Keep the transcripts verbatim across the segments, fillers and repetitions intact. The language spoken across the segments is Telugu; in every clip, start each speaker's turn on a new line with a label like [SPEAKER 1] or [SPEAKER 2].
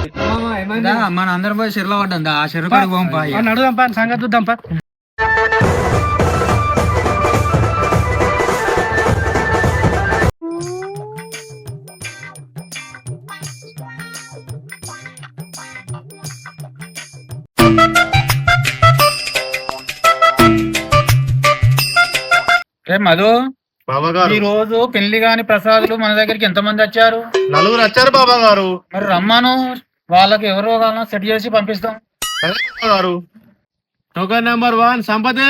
[SPEAKER 1] మన అందరం పోయి చెరులో పడ్డా ఆ చెరువు కాడికి పోంపా
[SPEAKER 2] నడుదాంపా సంగతి చూద్దాంపా.
[SPEAKER 1] రే మధు,
[SPEAKER 3] బాబా గారు
[SPEAKER 1] ఈ రోజు పెళ్లి కాని ప్రసాదులు మన దగ్గరికి ఎంత మంది వచ్చారు?
[SPEAKER 3] నలుగురు వచ్చారు బాబా గారు.
[SPEAKER 1] మరి రమ్మాను, వాళ్ళకి ఎవరో కావాలన్నా సెట్ చేసి పంపిస్తాం.
[SPEAKER 3] సరే బాబా గారు. టోకన్ నెంబర్ వన్ సంపదే.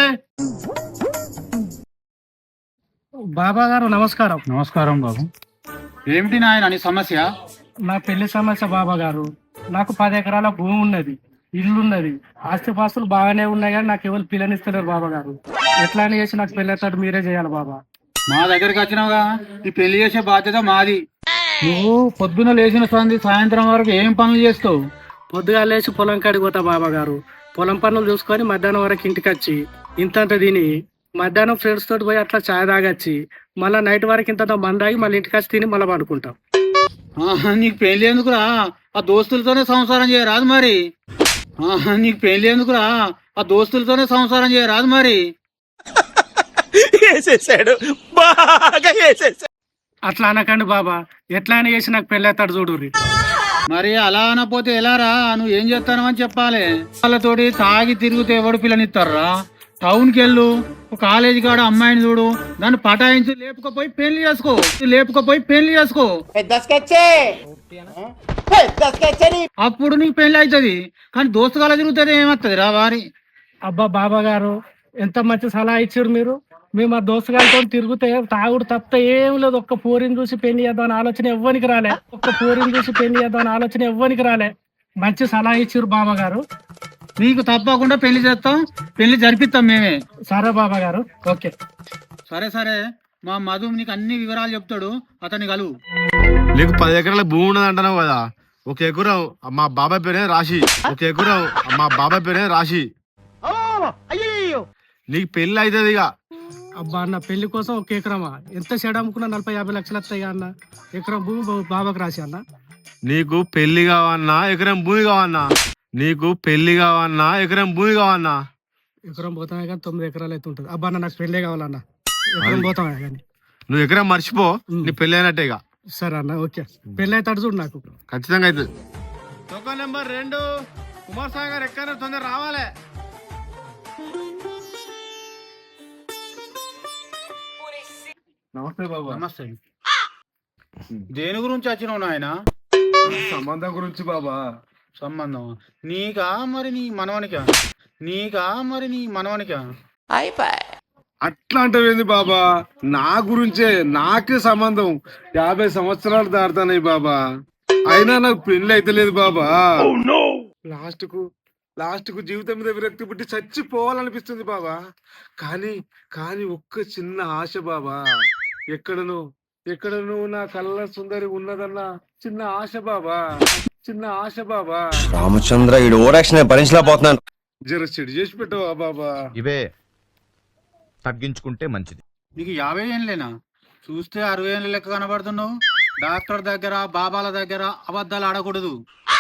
[SPEAKER 2] బాబా గారు నమస్కారం.
[SPEAKER 1] నమస్కారం బాబు. ఏమిటి నాయన నీ సమస్య?
[SPEAKER 2] నా పెళ్లి సమస్య బాబా గారు. నాకు పది ఎకరాల భూమి ఉన్నది, ఇల్లు ఉన్నది, ఆస్తిపాస్తులు బాగానే ఉన్నాయి కానీ నాకు ఎవరు పిల్లనిస్తలేరు బాబా గారు. ఎట్లా అని చేసి నాకు పెళ్ళేటట్టు మీరే చేయాలి బాబా.
[SPEAKER 1] మా దగ్గరికి వచ్చినావుగా, ఈ పెళ్లి చేసే బాధ్యత మాది. నువ్వు పొద్దున లేచిన సంది సాయంత్రం వరకు ఏం పనులు చేస్తావు?
[SPEAKER 2] పొద్దుగా లేచి పొలం కాడికి పోతా బాబా గారు. పొలం పనులు చూసుకొని మధ్యాహ్నం వరకు ఇంటికి వచ్చి ఇంతంత తిని మధ్యాహ్నం ఫ్రెండ్స్ తోటి పోయి అట్లా చాయ్ తాగొచ్చి మళ్ళీ నైట్ వరకు ఇంత మంది తాగి మళ్ళీ ఇంటికి వచ్చి తిని మళ్ళీ పడుకుంటాం.
[SPEAKER 1] ఆహా, నీకు పెళ్లి ఎందుకురా? ఆ దోస్తులతోనే సంసారం చేయరాదు మరి. ఆహా, నీకు పెళ్లి ఎందుకురా? ఆ దోస్తులతోనే సంసారం చేయరాదు మరి.
[SPEAKER 2] అట్లా అనకండి బాబా, ఎట్లా అయినా చేసి నాకు పెళ్ళేస్తాడు చూడుర్రి.
[SPEAKER 1] మరి అలా అనపోతే ఎలారా? నువ్వు ఏం చేస్తానో అని చెప్పాలి. వాళ్ళతోటి తాగి తిరిగితే ఎవడు పిల్లనిస్తారా? టౌన్కి వెళ్ళు, ఒక కాలేజీ కాడ అమ్మాయిని చూడు, దాన్ని పటాయించి లేపుకపోయి పెళ్లి చేసుకో, లేపుకపోయి పెళ్లి చేసుకో. అప్పుడు నీకు పెళ్లి అవుతుంది. కానీ దోస్తుగాల తిరుగుతుంది ఏమవుతుంది రా వారి.
[SPEAKER 2] అబ్బా బాబా గారు, ఎంత మంచి సలహా ఇచ్చారు మీరు. మేము ఆ దోస్తుగాలతో తిరిగితే తాగుడు తప్ప ఏం లేదు. ఒక్క పోరిని చూసి పెళ్లి చేద్దామని ఆలోచన ఎవ్వనికి రాలే. ఒక్క పోరిని చూసి పెళ్లి చేద్దామని ఆలోచన ఎవ్వనికి రాలే. మంచి సలహా ఇచ్చారు బాబా గారు.
[SPEAKER 1] నీకు తప్పకుండా పెళ్లి చేస్తాం, పెళ్లి జరిపిస్తాం మేమే.
[SPEAKER 2] సరే బాబా గారు, ఓకే.
[SPEAKER 1] సరే సరే, మా మధు నీకు అన్ని వివరాలు చెప్తాడు, అతన్ని కలువు.
[SPEAKER 3] నీకు పది ఎకరాల భూమి ఉన్నది అంటున్నావు కదా. ఒక ఎకరం మా బాబాయ్ పేరే రాసి, ఒక ఎకరం మా బాబాయ్ పేరే రాసి. నీకు పెళ్లి అవుతుంది ఇక.
[SPEAKER 2] అబ్బా అన్న, పెళ్లి కోసం ఒక ఎకరమా? ఎంత చెడు అమ్ముకున్నా నలభై యాభై లక్షలు వస్తాయి అన్న. ఎకరం భూమి బాబాకి రాసి అన్న.
[SPEAKER 3] నీకు పెళ్లి కావన్నా ఎకరం భూమి కావన్నా? నీకు పెళ్లి కావన్నా ఎకరం భూమి కావన్నా?
[SPEAKER 2] ఎకరం పోతామే కానీ తొమ్మిది ఎకరాలు అయితే ఉంటుంది. అబ్బా అన్న, నాకు పెళ్లే కావాలన్న. ఎకరం పోతామే కానీ
[SPEAKER 3] నువ్వు ఎకరం మర్చిపో, నీ పెళ్లి అయినట్టే ఇక.
[SPEAKER 2] సరే అన్న, ఓకే. పెళ్లి అయితే చూడు నాకు.
[SPEAKER 3] ఖచ్చితంగా అవుతుంది. టోకన్ నెంబర్ రెండు కుమార్ సాగర్ ఎక్కడ తొందర రావాలి. నమస్తే బాబా.
[SPEAKER 1] నమస్తే. దేని గురించి వచ్చినావు నాయన?
[SPEAKER 3] సంబంధం గురించి బాబా.
[SPEAKER 1] సంబంధం నీకా మరి నీ మనవనికా? నీకా మరి నీ మనవనికా?
[SPEAKER 3] అట్లా అంటవేంది బాబా? నా గురించే, నాకే సంబంధం. యాభై సంవత్సరాలు దాడుతున్నాయి బాబా, అయినా నాకు పెళ్లి అయితే లేదు బాబా. లాస్ట్ కు లాస్ట్ కు జీవితం మీద విరక్తి పుట్టి చచ్చిపోవాలనిపిస్తుంది బాబా. కానీ కానీ ఒక్క చిన్న ఆశ బాబా. ఎక్కడను ఎక్కడను నా కళ్ళ సుందరి ఉన్నదన్న చిన్న ఆశ బాబా, చిన్న ఆశ బాబా.
[SPEAKER 4] రామచంద్ర ఈ ఓరాక్షన్ భరించలేకపోతున్నాను.
[SPEAKER 3] జర చెడు చేసి పెట్టవా బాబా?
[SPEAKER 5] ఇవే తగ్గించుకుంటే మంచిది.
[SPEAKER 1] నీకు యాభై ఏళ్ళేనా? చూస్తే అరవై ఏళ్ళ లెక్క కనబడుతున్నావు. డాక్టర్ దగ్గర బాబాల దగ్గర అబద్ధాలు ఆడకూడదు.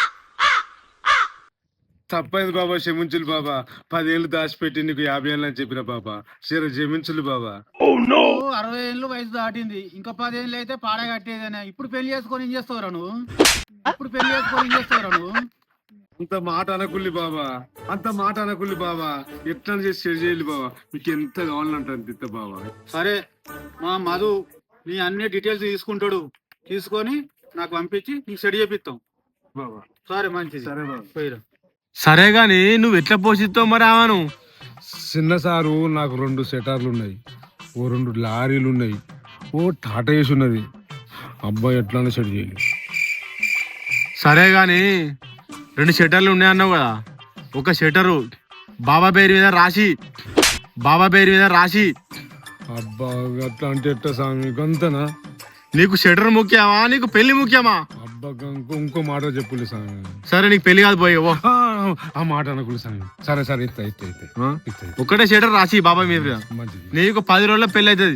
[SPEAKER 3] తప్పైంది బాబా, క్షమించులు బాబా. పదేళ్ళు దాచిపెట్టి నీకు యాభై ఏళ్ళు అని చెప్పిన బాబా. సరే క్షమించులు బాబా.
[SPEAKER 1] అరవై ఏళ్ళు వయసు దాటింది, ఇంకా పదేళ్ళు అయితే పాడే కట్టేదేనా? ఇప్పుడు పెళ్లి చేసుకొని ఏం చేస్తావురా నువ్వు? ఇప్పుడు పెళ్లి చేసుకొని ఏం చేస్తావురా నువ్వు?
[SPEAKER 3] అంత మాట అనకుల్లి బాబా, అంత మాట అనకుల్లి బాబా. ఎట్లా చేసి చెడు చేయాలి బాబా. మీకు ఎంత కావాలంటే అంత బాబా.
[SPEAKER 1] సరే, మా మధు నీ అన్ని డీటెయిల్స్ తీసుకుంటాడు. తీసుకొని నాకు పంపించి నీకు సెడి చేపిస్తాం
[SPEAKER 3] బాబా.
[SPEAKER 1] సరే, మంచిది.
[SPEAKER 3] సరే బాబా.
[SPEAKER 1] పోయిరా.
[SPEAKER 3] సరే గాని నువ్వు ఎట్లా పోషిస్తావు మరి ఆమెను? చిన్న సారు, నాకు రెండు సెటార్లు ఉన్నాయి, ఓ రెండు లారీలు ఉన్నాయి, ఓ టాటా ఏసి ఉన్నది. అబ్బాయి ఎట్లా సెట్ చేయాలి? సరే గాని రెండు షట్టర్లు ఉన్నాయన్నావు కదా. ఒక షట్టరు బాబా పేరు మీద రాసి, బాబా పేరు మీద రాసి. అబ్బా అట్లా అంటే ఎట్ట స్వామి, గంతనా? నీకు షటర్ ముఖ్యమా, నీకు పెళ్లి ముఖ్యమా? అబ్బా ఇంకో మాట చెప్పులే స్వామి. సరే, నీకు పెళ్లి కాదు పోయి ఆ మాట అనకులు స్వామి. సరే సరే, ఇస్తా ఇస్తా ఇస్తా. ఒక్కటే షటర్ రాసి బాబా మీద. నీకు పది రోజుల్లో పెళ్లి అవుతుంది.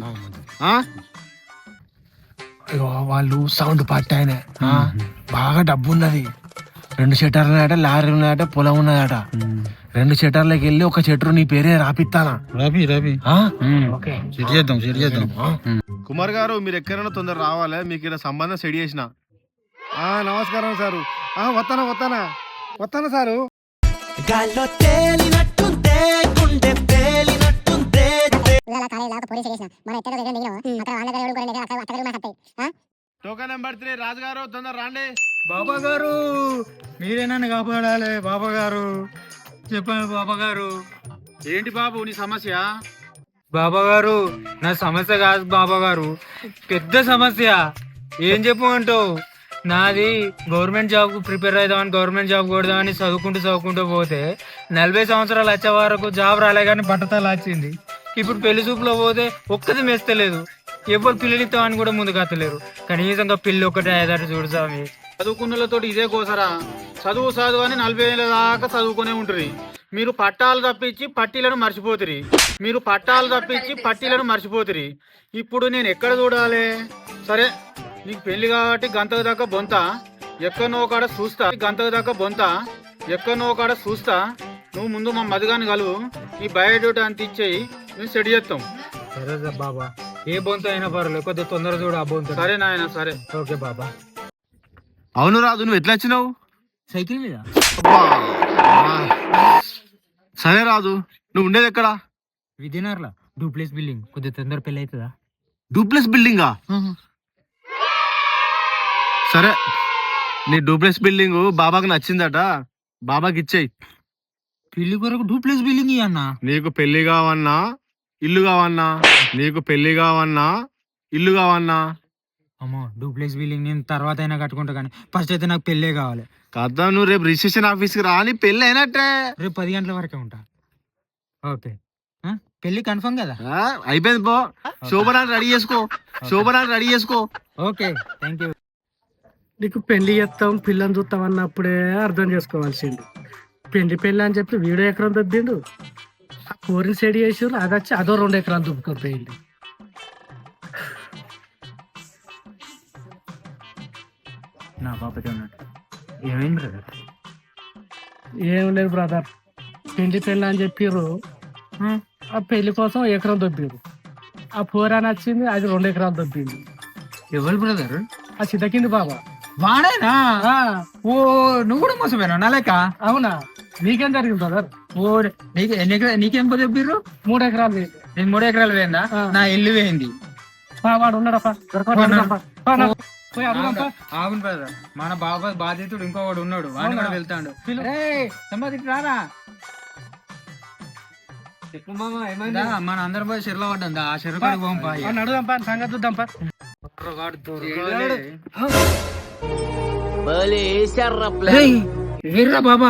[SPEAKER 2] వాళ్ళు సౌండ్ పార్టీ ఆయన బాగా డబ్బు ఉన్నది.
[SPEAKER 3] రెండు షెటర్లు ఉన్నాయట, లారీ ఉన్నాయట, పొలం ఉన్నదట. రెండు షెటర్లకి వెళ్ళి ఒక షెటర్ నీ పేరే రాపిస్తానా?
[SPEAKER 1] రవి రవి
[SPEAKER 3] ఆ?
[SPEAKER 1] సెట్ చేద్దాం సెట్ చేద్దాం.
[SPEAKER 5] కుమార్ గారు మీరు ఎక్కడైనా తొందర రావాలి, మీకు ఇలా సంబంధం సెట్ చేసిన.
[SPEAKER 3] ఆ, నమస్కారం సారు. ఆ, వస్తానా వస్తానా వస్తానా sir.
[SPEAKER 5] Token number three Raju గారు తొందర రాండి.
[SPEAKER 1] బాబా గారు మీరే నన్ను కాపాడాలి బాబా గారు. చెప్పండి బాబా గారు. ఏంటి బాబు నీ సమస్య? బాబా గారు నా సమస్య కాదు బాబా గారు, పెద్ద సమస్య. ఏం చెప్పమంటావు? నాది గవర్నమెంట్ జాబ్ కు ప్రిపేర్ అవుదామని గవర్నమెంట్ జాబ్ కొడదామని చదువుకుంటూ చదువుకుంటూ పోతే నలభై సంవత్సరాలు వచ్చే వరకు జాబ్ రాలే కానీ బట్టతలు వచ్చింది. ఇప్పుడు పెళ్లి చూపులో పోతే ఒక్కది మెస్తలేదు, ఎవరు పిల్లలిస్తామని కూడా ముందుకు అత్తలేరు. కనీసంగా పిల్లి ఒక్కటే ఐదారు చూడు స్వామి. చదువుకున్నలతో ఇదే కోసరా, చదువు చదువు అని నలభై ఏళ్ళ దాకా చదువుకునే ఉంటుంది. మీరు పట్టాలు తప్పించి పట్టీలను మర్చిపోతురి మీరు పట్టాలు తప్పించి పట్టీలను మర్చిపోతురి ఇప్పుడు నేను ఎక్కడ చూడాలి? సరే నీకు పెళ్లి కాబట్టి గంతకు దాకా బొంత ఎక్కడనో కాడ చూస్తా గంతకు దాకా బొంత ఎక్కడనో కాడ చూస్తా. నువ్వు ముందు మా మధుగాని కలువు, నీ బయోడేటా అంత ఇచ్చేయి, మేము సెట్ చేస్తాం.
[SPEAKER 2] సరే బాబా, ఏ బొంత అయినా పర్లేదు, కొద్దిగా తొందర చూడు ఆ బొంత.
[SPEAKER 1] సరే నాయన సరే.
[SPEAKER 2] ఓకే బాబా.
[SPEAKER 5] అవును రాజు, నువ్వు ఎట్లా వచ్చినావు?
[SPEAKER 2] సైకిల్ మీద.
[SPEAKER 5] సరే రాజు, నువ్వు ఉండేది ఎక్కడ?
[SPEAKER 2] విజయనగర్లో డూప్లెక్స్ బిల్డింగ్. కొద్దిగా తొందర పెళ్లి అవుతుందా?
[SPEAKER 5] డూప్లెక్స్ బిల్డింగా? సరే, నీ డూప్లెక్స్ బిల్డింగ్ బాబాకి నచ్చిందట, బాబాకి ఇచ్చేయి.
[SPEAKER 2] పెళ్లి కొరకు డూప్లెక్స్ బిల్డింగ్ అన్న.
[SPEAKER 5] నీకు పెళ్లి కావన్నా ఇల్లు కావన్నా? నీకు పెళ్లి కావన్నా ఇల్లు కావన్నా?
[SPEAKER 2] అమ్మో, డూప్లెక్స్ బిల్డింగ్ నేను తర్వాత అయినా కట్టుకుంటా, కానీ ఫస్ట్ అయితే నాకు పెళ్ళే కావాలి
[SPEAKER 5] కదా. నువ్వు రేపు రిజిస్ట్రేషన్ ఆఫీస్కి రా, నీ పెళ్ళి అయినట్టే.
[SPEAKER 2] రేపు పది గంటల వరకే ఉంటా. ఓకే, పెళ్లి కన్ఫర్మ్ కదా?
[SPEAKER 5] ఆ, అయిపోయింది పో. శోభనాన్ని రెడీ చేసుకో, శోభనాన్ని రెడీ చేసుకో.
[SPEAKER 2] Okay, thank you.
[SPEAKER 6] నీకు పెళ్లి చేస్తాం పిల్లని చూస్తాం అన్నప్పుడే అర్థం చేసుకోవాల్సింది. పెళ్లి పెళ్లి అని చెప్పి వీడో ఎకరం దొబ్బిండు, ఆ కోరిని సెడి చేసి అది వచ్చి అదో రెండు ఎకరాలు దుబ్బుకొని పోయింది.
[SPEAKER 2] నా పాపకి ఉన్నట్టు ఏమైంది బ్రదర్?
[SPEAKER 6] ఏం లేదు బ్రదర్, పెళ్లి పెళ్లి అని చెప్పిర్రు, ఆ పెళ్లి కోసం ఎకరం దొబ్బిరు. ఆ పోరాని వచ్చింది, అది రెండు ఎకరాలు దొబ్బింది.
[SPEAKER 2] ఎవరు బ్రదర్?
[SPEAKER 6] ఆ చితకింది బాబా.
[SPEAKER 2] వాడేనా? ఓ, నువ్వు కూడా మోసపోయినా నా లెక్క?
[SPEAKER 6] అవునా, నీకేం జరిగింది బ్రదర్?
[SPEAKER 2] ఓ, నీకు ఎన్ని ఎకరా నీకేం చెప్పిర్రు?
[SPEAKER 6] మూడు ఎకరాలు పోయింది.
[SPEAKER 2] నేను మూడు ఎకరాలు పోయిందా? నా ఇల్లు పోయింది.
[SPEAKER 6] వాడు ఉన్నాడప్ప,
[SPEAKER 2] అవును బ్రదర్, మన బాబా బాధితుడు ఇంకొకడు ఉన్నాడు, వాడిని కూడా వెళ్తాడు. రారా మన అందరం పోయి చెరులో పడ్డా, ఆ చెరువు కాడికి పోం పా.
[SPEAKER 6] అడుగుదాంపా, సంగతి చూద్దాంపా.
[SPEAKER 2] వీర్రా బాబా.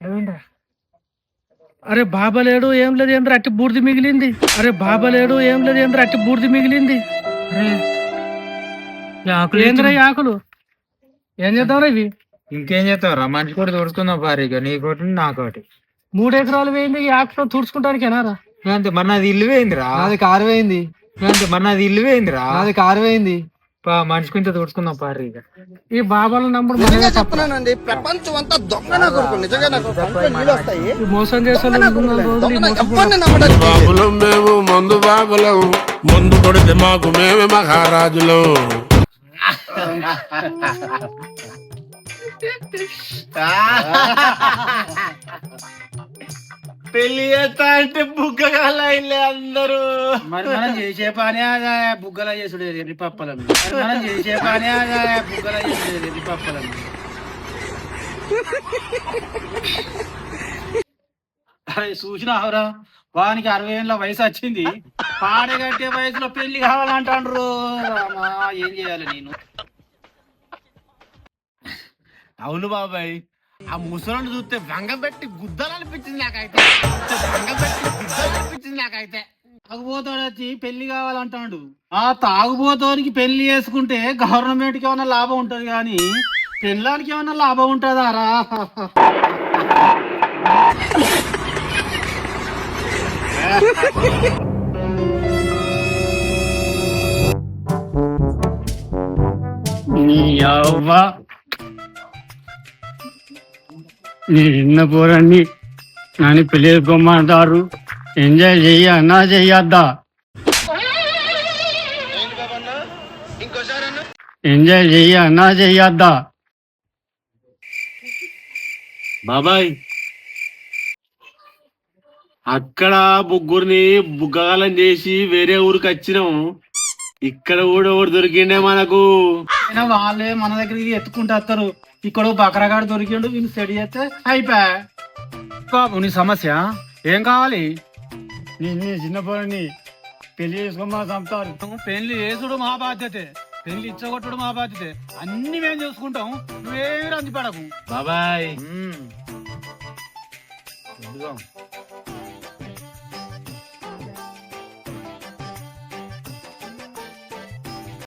[SPEAKER 6] అరే బాబా లేడు, ఏం లేదు, ఏంద్ర అట్టి బూడిది మిగిలింది. అరే బాబా లేడు, ఏం లేదు, ఏంద్ర అట్టి బూడిది మిగిలింది. ఏంద్ర ఈ ఆకులు ఏం చేద్దాం ఇవి?
[SPEAKER 2] ఇంకేం చేస్తావురా, మనిషి కూడా తుడుచుకుందాం భారీగా, నీకోటి నాకోటి.
[SPEAKER 6] మూడు ఎకరాలు వేయింది ఈ ఆకుతో తుడుచుకుంటానికేనారా?
[SPEAKER 2] అంతే, మరి నాది ఇల్లు వేయిందిరా.
[SPEAKER 7] అది కారు వేయింది.
[SPEAKER 2] అంతే, మరి నాది ఇల్లు వేయిందిరా.
[SPEAKER 7] అది కారు వేయింది.
[SPEAKER 2] మనిషి కొంచెం తుడుచుకుందాం భారీగా.
[SPEAKER 6] ఈ బాబాల నంబర్
[SPEAKER 7] చెప్తున్నానండి, ప్రపంచం అంతా దొంగ నా కొడుకు. నిజంగా నాకు నీళ్ళు వస్తాయి.
[SPEAKER 6] మోసం చేసే
[SPEAKER 3] బాబులం మేము, మందు బాబులం, మందు కొడితే మాకు మేమే మహారాజులం.
[SPEAKER 5] పెళ్లి చేస్తా అంటే బుగ్గగాల అందరూ.
[SPEAKER 1] మరి మనం చేసే పని అదే బుగ్గల చేసుడు ఎర్రి పప్పలను. మనం చేసే పని అదే బుగ్గల చేసుడు ఎర్రి పప్పలను. అరే చూసినావురా, వానికి అరవై ఏళ్ళ వయసు వచ్చింది, పాడగట్టే వయసులో పెళ్లి కావాలంటాండ్రు. రామా, ఏం చేయాలి నేను?
[SPEAKER 5] అవును బాబాయ్, ఆ ముసలను చూస్తే వంగ పెట్టి గుద్దలనిపించింది నాకైతే. వంగ పెట్టి గుద్దలనిపించింది నాకైతే.
[SPEAKER 1] తాగుబోతాడు వచ్చి పెళ్లి కావాలంటాడు. ఆ తాగుబోతానికి పెళ్లి చేసుకుంటే గవర్నమెంట్ కి ఏమైనా లాభం ఉంటది కానీ పెళ్ళానికి ఏమైనా లాభం ఉంటుందా రా?
[SPEAKER 8] నీ చిన్న పోరన్ని నన్ను పెళ్లి చేసుకోమంటారు. ఎంజాయ్ చెయ్యి అన్నా చెయ్యొద్దా? ఎంజాయ్ చెయ్యి అన్నా చెయ్యొద్దా?
[SPEAKER 5] బాబాయ్ అక్కడ ముగ్గురిని బుగ్గగాలం చేసి వేరే ఊరికి వచ్చినాం. ఇక్కడ కూడా ఒకటి దొరికిండే మనకు.
[SPEAKER 1] అయినా వాళ్ళే మన దగ్గరికి ఎత్తుకుంటూ వస్తారు. ఇక్కడ బకరగాడు దొరికిండు, వీళ్ళు సెడి చేస్తే అయిపోయా. బాబు నీ సమస్య ఏం కావాలి?
[SPEAKER 8] నిన్ను చిన్న పోరని పెళ్లి చేసుకోమా చంపుతారు.
[SPEAKER 1] పెళ్లి చేసుడు మా బాధ్యతే, పెళ్లి ఇచ్చగొట్టుడు మా బాధ్యతే. అన్ని మేము చూసుకుంటాం, నువ్వేమి రంది పడకు.
[SPEAKER 5] బాబాయ్
[SPEAKER 1] ఉమ్.